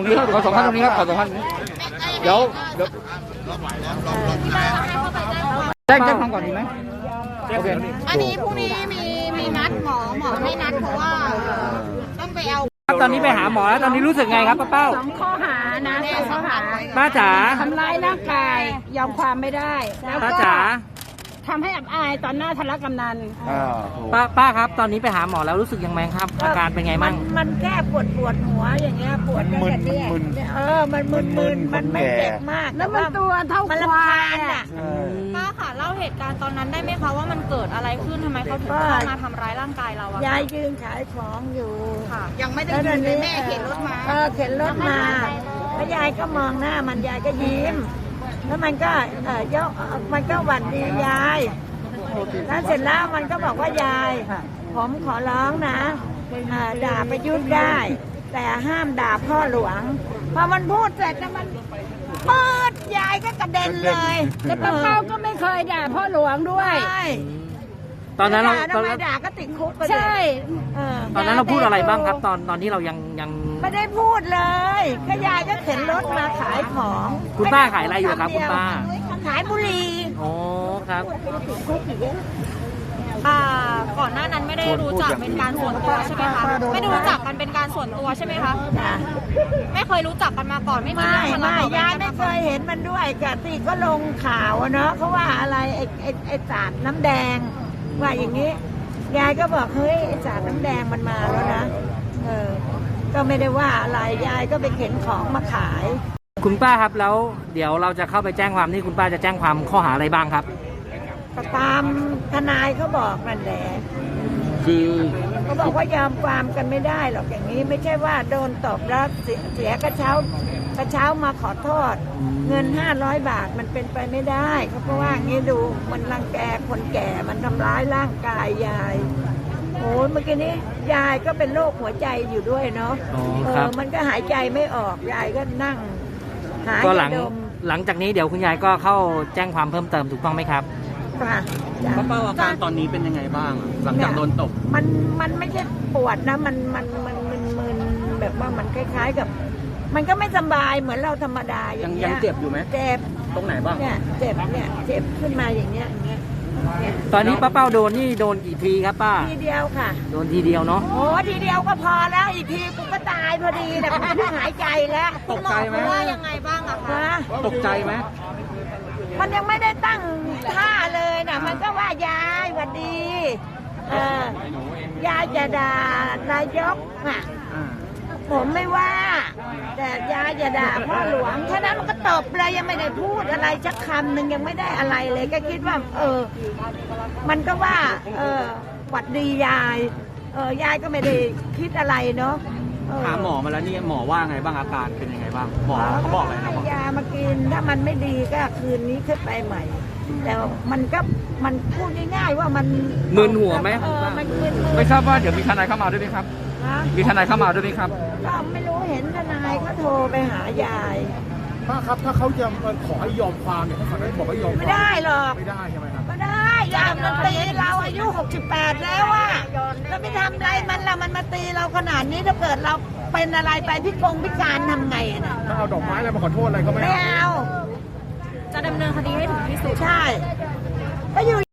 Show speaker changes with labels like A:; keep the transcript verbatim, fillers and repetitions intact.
A: รงนี้ขอสองท่านตรงนี้ครับขอสองท่านนี้เดี๋ยวเดี๋ยวแจ้งแจ้งความก่อนดีไหมโอเค
B: อันนี้พรุ่งนี้มีมีนัดหมอหมอให้นัดเพราะว่าต้องไปเอา
C: ตอนนี้ไปหาหมอแล้วตอนนี้รู้สึกไงครับป้าเป้า
D: สองข้อหานะสองข้อหา
C: ป้าจ๋า
D: ทำร้ายร่างกายยอมความไม่ได้แล้ว
C: ป้า
D: ก็
C: จ๋า
D: ทำให้อับอายตอนหน้าทะเลกำนัน
C: ป้าป้าครับตอนนี้ไปหาหมอแล้วรู้สึกยังไงครับอาการเป็นไงบ้าง
D: มันแค่ปวดปวดหัวอย่างเงี้ยปวดตั้งแต่เนี่ยเออมันมึนมึนมันไม่เจ็บมากแล้วมันตัวเท่าควายอ่ะ
B: ป้าค่ะเล่าเหตุการณ์ตอนนั้นได้ไหมคะว่ามันเกิดอะไรขึ้นทำไมเขาถึงเข้ามาทำร้ายร่างกายเราอะ
D: ยายยืนขายของอยู่
B: ค่ะยังไม่ได้ยืนเลยแม่เข็นรถมา
D: เออเข็นรถมาแล้วยายก็มองหน้ามันยายก็ยิ้มแล้วมันก็เออยกมันก็หวัดดียายแล้วเสร็จแล้วมันก็บอกว่ายายผมขอร้องนะด่าประยุทธ์ได้ แต่ห้ามด่าพ่อหลวงพอมันพูดเสร็จแล้วมันเปิดยายก็กระเด็นเลยแล้วป้าเป้าก็ไม่เคยด่าพ่อหลวงด้วย
C: ตอนนั้นเรา
D: ตอนนั้นด่าก็ติดคุกไปเลยใช่
C: ตอนนั้นเราพูดอะไรบ้างครับตอนตอนที่เรายังยัง
D: ไม่ได้พูดเลยก็ยายก็เข็นรถมาขายของ
C: คุณป้าขายอะไรอยู่ครับคุณป้า
D: ขายบุหรี่
C: โอ้ครับ
B: อ่าก่อนหน้านั้นไม่ได้รู้จักเป็นการส่วนตัวใช่ไหมคะไม่ได้รู้จักกันเป็นการส่วนตัวใช่ไหมคะไม่เคยรู้จักกันมาก่อนไม่
D: ไม่ไม่ยายไม่เคยเห็นมันด้วยกะติก็ลงข่าวเนาะเขาว่าอะไรไอ้ไอ้ไอ้สาดน้ำแดงว่าอย่างนี้ยายก็บอกเฮ้ยไอ้สาดน้ำแดงมันมาแล้วนะเออก็ไม่ได้ว่าอะไรยายก็ไปเข็นของมาขาย
C: คุณป้าครับแล้วเดี๋ยวเราจะเข้าไปแจ้งความนี่คุณป้าจะแจ้งความข้อหาอะไรบ้างครับ
D: ก็ตามทนายเขาบอกนั่นแหละ
A: คือ
D: เขาบอกว่ายอมความกันไม่ได้หรอกอย่างนี้ไม่ใช่ว่าโดนตบแล้วเสียกระเช้ากระเช้ามาขอโทษเงินห้าร้อยบาทมันเป็นไปไม่ได้เขาเพราะว่างี้ดูมันรังแกคนแก่มันทำร้ายร่างกายยายโอ้เมื่อกี้นี้ยายก็เป็นโรคหัวใจอยู่ด้วยเนาะเออมันก็หายใจไม่ออกยายก็นั่งหาย
C: หลังหลังจากนี้เดี๋ยวคุณยายก็เข้าแจ้งความเพิ่มเติมถูกต้องไหมครับ
D: ค่ะ
A: ป้าเป้าอาการตอนนี้เป็นยังไงบ้างหลังจากโดนตบ
D: มันมันไม่ใช่ปวดนะมันมันมันมึนมึนแบบว่ามันคล้ายๆกับมันก็ไม่สบายเหมือนเราธรรมดาอย่างเงี้ย
A: ยังเจ็บอยู่ไหม
D: เจ็บ
A: ตรงไหนบ้าง
D: เนี่ยเจ็บเนี่ยเจ็บขึ้นมาอย่างเงี้ยอย่างเงี้ย
C: ตอนนี้ป้าเป้าโดนนี่โดนกี่ทีครับป้า
D: ทีเดียวค่ะ
C: โดนทีเดียวเนาะ
D: โอ้ทีเดียวก็พอแล้วอีกทีกูก็ตายพอดีแต่กูไม่หายใจแล้ว
A: ตกใจไหม
B: ว่ายังไงบ้างอะคะ
A: ตกใจไหม
D: มันยังไม่ได้ตั้งท่าเลยนะมันก็ว่ายายหวัดดีเออยายจะด่านายกอ่ะผมไม่ว่าแต่ยายจะด่าพ่อหลวงแค่นั้นมันก็ตบเลยยังไม่ได้พูดอะไรสักคำหนึ่งยังไม่ได้อะไรเลยก็คิดว่าเออมันก็ว่าเออหวัดดียายเออยายก็ไม่ได้คิดอะไรเนาะ
A: หาหมอมาแล้วนี่หมอว่าไงบ้างอาการเป็นยังไงบ้างหมอเขาบอกอะไรนะ
D: ยามากินถ้ามันไม่ดีก็คืนนี้ขึ้นไปใหม่แต่มันก็มันพูดง่ายๆว่ามัน
C: มึนหัวไหม
D: เออมันมึน
A: ไม่ทราบว่าเดี๋ยวมีทนายเข้ามาด้วยไหมครับมีทนายเข้ามาด้วยไหมครับ
D: ก็ไม่รู้เห็นทนายเขาโทรไปหายาย
E: ป้าครับถ้าเขาจะขอให้ยอมความเนี่ยเขาสั่งให้บอกให้ยอม
D: ไม่ได้หรอก
E: ไม่ได้ใช่ไหมครับ
D: ไม่ได้ยามมันตีเราอายุหกสิบแปดแล้วอะเราไม่ทำอะไรมันละมันมาตีเราขนาดนี้ถ้าเกิดเราเป็นอะไรไปพิกงพิการทำไงนะ
E: ถ้าเอาดอกไม้อะไรมาขอโทษอะไรก็ไม่
D: เอา
B: จะดำเนินคดีให้ถึงที่สุด
D: ใช่ก็อยู่